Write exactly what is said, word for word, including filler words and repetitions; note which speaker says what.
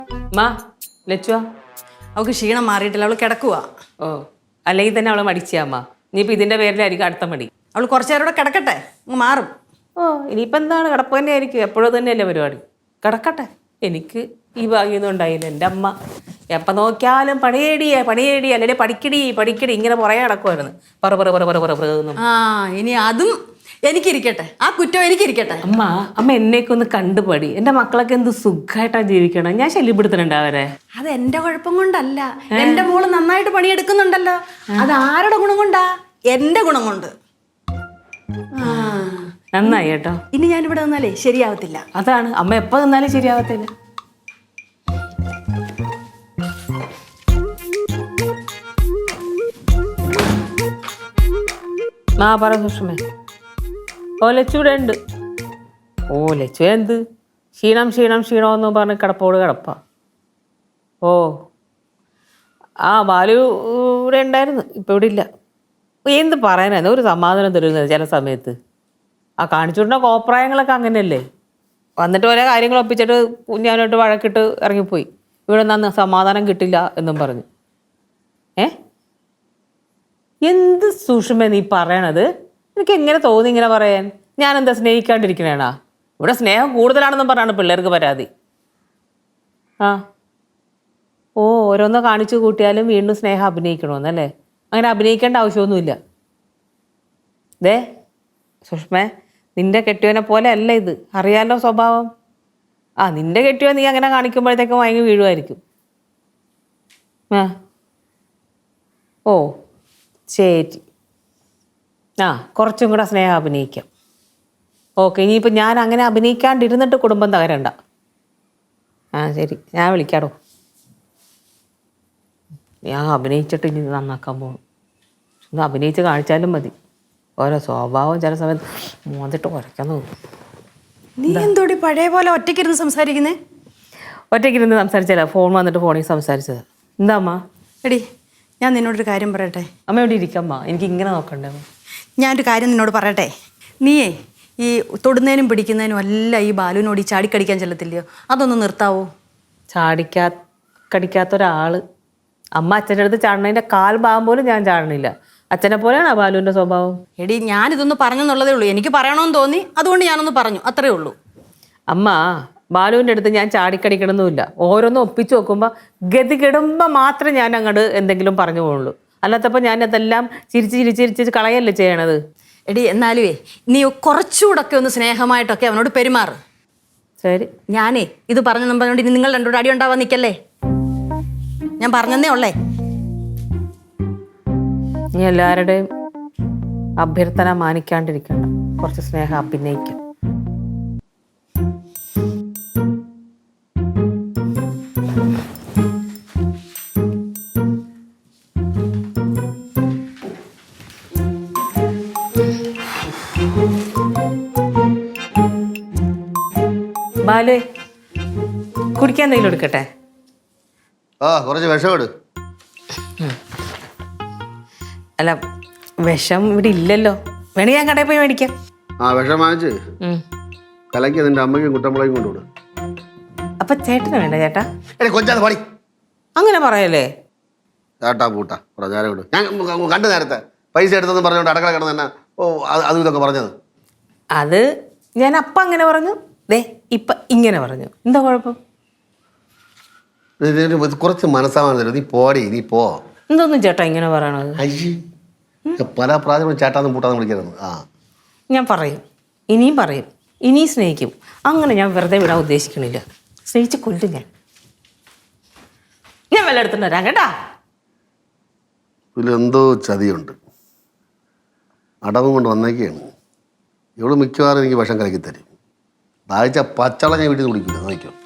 Speaker 1: മാ ലച്ചുവാ
Speaker 2: അവൾക്ക് ക്ഷീണം മാറിയിട്ടില്ല, അവൾ കിടക്കുക.
Speaker 1: ഓ അല്ലെങ്കിൽ തന്നെ അവളെ മടിച്ചാമ്മ. ഇനിയിപ്പോൾ ഇതിൻ്റെ പേരിലായിരിക്കും അടുത്ത മടി.
Speaker 2: അവൾ കുറച്ചു നേരം കൂടെ കിടക്കട്ടെ, അങ്ങ് മാറും.
Speaker 1: ഓ ഇനിയിപ്പോൾ എന്താണ്, കിടപ്പ് തന്നെ ആയിരിക്കും. എപ്പോഴും തന്നെയല്ലേ പരിപാടി. കിടക്കട്ടെ. എനിക്ക് ഈ ഭാഗ്യമൊന്നും ഉണ്ടായില്ല. എൻ്റെ അമ്മ എപ്പം നോക്കിയാലും പണിയേടിയേ പണിയേടിയ അല്ലെങ്കിൽ പഠിക്കടി പഠിക്കടി ഇങ്ങനെ പുറകെ നടക്കുമായിരുന്നു. പറ പറ പറ പറ പറ പറ.
Speaker 2: ആ ഇനി അതും എനിക്കിരിക്കട്ടെ, ആ കുറ്റം എനിക്കിരിക്കട്ടെ.
Speaker 1: അമ്മ അമ്മ എന്നേക്ക് ഒന്ന് കണ്ടുപടി. എൻ്റെ മക്കളൊക്കെ എന്ത് സുഖമായിട്ടാണ് ജീവിക്കണം. ഞാൻ ശല്യപ്പെടുത്തുന്നുണ്ട് അവരെ.
Speaker 2: അത് എന്റെ കുഴപ്പം കൊണ്ടല്ല, എന്റെ മോള് നന്നായിട്ട് പണിയെടുക്കുന്നുണ്ടല്ലോ. അത് ആരുടെ ഗുണം കൊണ്ടാ? എന്റെ ഗുണം കൊണ്ട്.
Speaker 1: നന്നായി കേട്ടോ.
Speaker 2: ഇനി ഞാൻ ഇവിടെ നിന്നാലേ ശരിയാവത്തില്ല.
Speaker 1: അതാണ് അമ്മ എപ്പോ നിന്നാലും ശരിയാവത്തില്ല. മാ പറ സുഷമേ. ഓ ലച്ചൂടെ ഉണ്ട്. ഓ ലച്ചു എന്ത് ക്ഷീണം ക്ഷീണം ക്ഷീണമെന്ന് പറഞ്ഞ് കിടപ്പോട് കിടപ്പ. ഓ ആ ബാലു ഇവിടെ ഉണ്ടായിരുന്നു, ഇപ്പം ഇവിടെ ഇല്ല. എന്ത് പറയാനായിരുന്നു, ഒരു സമാധാനം തരുന്നത് ചില സമയത്ത്. ആ കാണിച്ചുകൊണ്ട കോപ്രായങ്ങളൊക്കെ അങ്ങനെയല്ലേ. വന്നിട്ട് ഓരോ കാര്യങ്ങൾ ഒപ്പിച്ചിട്ട് കുഞ്ഞാനോട്ട് വഴക്കിട്ട് ഇറങ്ങിപ്പോയി. ഇവിടെ നിന്ന് സമാധാനം കിട്ടില്ല എന്നും പറഞ്ഞു. ഏ എന്ത് സുഷമ നീ പറയണത്? എനിക്ക് എങ്ങനെ തോന്നി ഇങ്ങനെ പറയാൻ? ഞാനെന്താ സ്നേഹിക്കാണ്ടിരിക്കണേണാ? ഇവിടെ സ്നേഹം കൂടുതലാണെന്നും പറഞ്ഞാണ് പിള്ളേർക്ക് പരാതി. ആ ഓ ഓരോന്ന് കാണിച്ചു കൂട്ടിയാലും വീണ്ടും സ്നേഹം അഭിനയിക്കണമെന്നല്ലേ? അങ്ങനെ അഭിനയിക്കേണ്ട ആവശ്യമൊന്നുമില്ല. ദേ സുഷ്മേ, നിന്റെ കെട്ടിയവനെ പോലെ അല്ല ഇത്, അറിയാലോ സ്വഭാവം. ആ നിന്റെ കെട്ടിയവൻ നീ അങ്ങനെ കാണിക്കുമ്പോഴത്തേക്കും വാങ്ങി വീഴുമായിരിക്കും. ആ ഓ ശരി. ആ കുറച്ചും കൂടെ സ്നേഹം അഭിനയിക്കാം. ഓക്കെ, ഇനിയിപ്പോൾ ഞാൻ അങ്ങനെ അഭിനയിക്കാണ്ടിരുന്നിട്ട് കുടുംബം തകരണ്ട. ആ ശരി, ഞാൻ വിളിക്കാടോ. ഞാൻ അഭിനയിച്ചിട്ട് ഇനി നന്നാക്കാൻ പോകും. ഒന്ന് അഭിനയിച്ച് കാണിച്ചാലും മതി. ഓരോ സ്വഭാവം ചില സമയത്ത് മോന്നിട്ട് ഉരയ്ക്കാൻ തോന്നും.
Speaker 2: നീ എന്തോടി പഴയ പോലെ ഒറ്റയ്ക്കിരുന്ന് സംസാരിക്കുന്നേ?
Speaker 1: ഒറ്റയ്ക്കിരുന്ന് സംസാരിച്ചല്ല, ഫോൺ വന്നിട്ട് ഫോണിൽ സംസാരിച്ചത്. എന്താ അമ്മ?
Speaker 2: എടി ഞാൻ നിന്നോടൊരു കാര്യം പറയട്ടെ.
Speaker 1: അമ്മ ഇവിടെ ഇരിക്കമ്മ, എനിക്ക് ഇങ്ങനെ നോക്കണ്ടേ.
Speaker 2: ഞാനൊരു കാര്യം നിന്നോട് പറയട്ടെ. നീയേ ഈ തൊടുന്നതിനും പിടിക്കുന്നതിനും എല്ലാം ഈ ബാലുവിനോട് ഈ ചാടിക്കടിക്കാൻ ചെല്ലത്തില്ലയോ? അതൊന്ന് നിർത്താവോ?
Speaker 1: ചാടിക്കാ കടിക്കാത്ത ഒരാൾ അമ്മ അച്ഛൻ്റെ അടുത്ത് ചാടണതിൻ്റെ കാൽ ഭാഗം പോലും ഞാൻ ചാടണില്ല. അച്ഛനെ പോലെയാണ് ആ ബാലുവിൻ്റെ സ്വഭാവം.
Speaker 2: എടി ഞാനിതൊന്ന് പറഞ്ഞെന്നുള്ളതേ ഉള്ളൂ. എനിക്ക് പറയണമെന്ന് തോന്നി, അതുകൊണ്ട് ഞാനൊന്ന് പറഞ്ഞു, അത്രേ ഉള്ളൂ.
Speaker 1: അമ്മ ബാലുവിൻ്റെ അടുത്ത് ഞാൻ ചാടിക്കടിക്കണമെന്നുമില്ല. ഓരോന്നും ഒപ്പിച്ച് നോക്കുമ്പോൾ ഗതി കെടുമ്പോൾ മാത്രമേ ഞാൻ അങ്ങോട്ട് എന്തെങ്കിലും പറഞ്ഞു പോകുള്ളൂ. അല്ലാത്തപ്പോൾ ഞാൻ അതെല്ലാം ചിരിച്ച് ചിരിച്ച് ചിരിച്ച് കളയല്ലേ ചെയ്യണത്.
Speaker 2: എടി എന്നാലുവേ നീ കുറച്ചുകൂടൊക്കെ ഒന്ന് സ്നേഹമായിട്ടൊക്കെ അവനോട് പെരുമാറ്.
Speaker 1: ശരി.
Speaker 2: ഞാനേ ഇത് പറഞ്ഞു പറഞ്ഞോണ്ട് ഇനി നിങ്ങൾ രണ്ടോട് അടി ഉണ്ടാവാൻ നിൽക്കല്ലേ. ഞാൻ പറഞ്ഞതേ ഉള്ളേ.
Speaker 1: നീ എല്ലാവരുടെയും അഭ്യർത്ഥന മാനിക്കാണ്ടിരിക്കണം. കുറച്ച് സ്നേഹം അഭിനയിക്കാം. ബാലു കുടിക്കാൻ എന്തെങ്കിലും എടുക്കട്ടെ?
Speaker 3: ആ കുറച്ച് വിഷം എടു.
Speaker 1: അല്ല വിഷം ഇവിടെ ഇല്ലല്ലോ, വേണമെങ്കിൽ ഞാൻ കടയിൽ പോയി മേടിക്കാം.
Speaker 3: ആ വിഷം വാങ്ങിച്ച് കലക്കി നിന്റെ അമ്മയ്ക്കും കുട്ടമ്പളയും കൊണ്ടുവിടും.
Speaker 1: അപ്പൊ ചേട്ടന് വേണ്ട ചേട്ടാ?
Speaker 3: കൊച്ചാന്ന് പണി
Speaker 1: അങ്ങനെ പറയല്ലേ.
Speaker 3: ചേട്ടാ പൂട്ടാ നേരം വിടും. ഞാൻ കണ്ടു നേരത്തെ പൈസ എടുത്തെന്ന് പറഞ്ഞോണ്ട് അടക്കള കിടന്ന് തന്നെ ഓ അതും ഇതൊക്കെ പറഞ്ഞത്.
Speaker 1: അത് ഞാൻ അപ്പം അങ്ങനെ പറഞ്ഞു, ദേ ഇപ്പം ഇങ്ങനെ പറഞ്ഞു. എന്താ കുഴപ്പം?
Speaker 3: കുറച്ച് മനസ്സാവാൻ തരും. നീ പോടി, നീ പോ.
Speaker 1: എന്തോന്നും ചേട്ടാ ഇങ്ങനെ പറയണത്?
Speaker 3: അയ്യേ പല പ്രാവശ്യം ചേട്ടാന്ന് പൂട്ടാന്ന് വിളിക്കരുത്. ആ
Speaker 1: ഞാൻ പറയും, ഇനിയും പറയും, ഇനിയും സ്നേഹിക്കും. അങ്ങനെ ഞാൻ വെറുതെ വിടാൻ ഉദ്ദേശിക്കണില്ല. സ്നേഹിച്ച് കൊല്ലും ഞാൻ. ഞാൻ വല്ല എടുത്തിട്ട് വരാം കേട്ടാ.
Speaker 3: ഇതിലെന്തോ ചതിയുണ്ട്. അടവും കൊണ്ട് വന്നേക്കാണ്. ഇവിടെ മിക്കവാറും എനിക്ക് വിഷം കലക്കി തരും. ദാഹിച്ച പച്ചവെള്ളം ഞാൻ വീട്ടിൽ നിന്ന് കുടിക്കില്ല. നോക്കിയോ.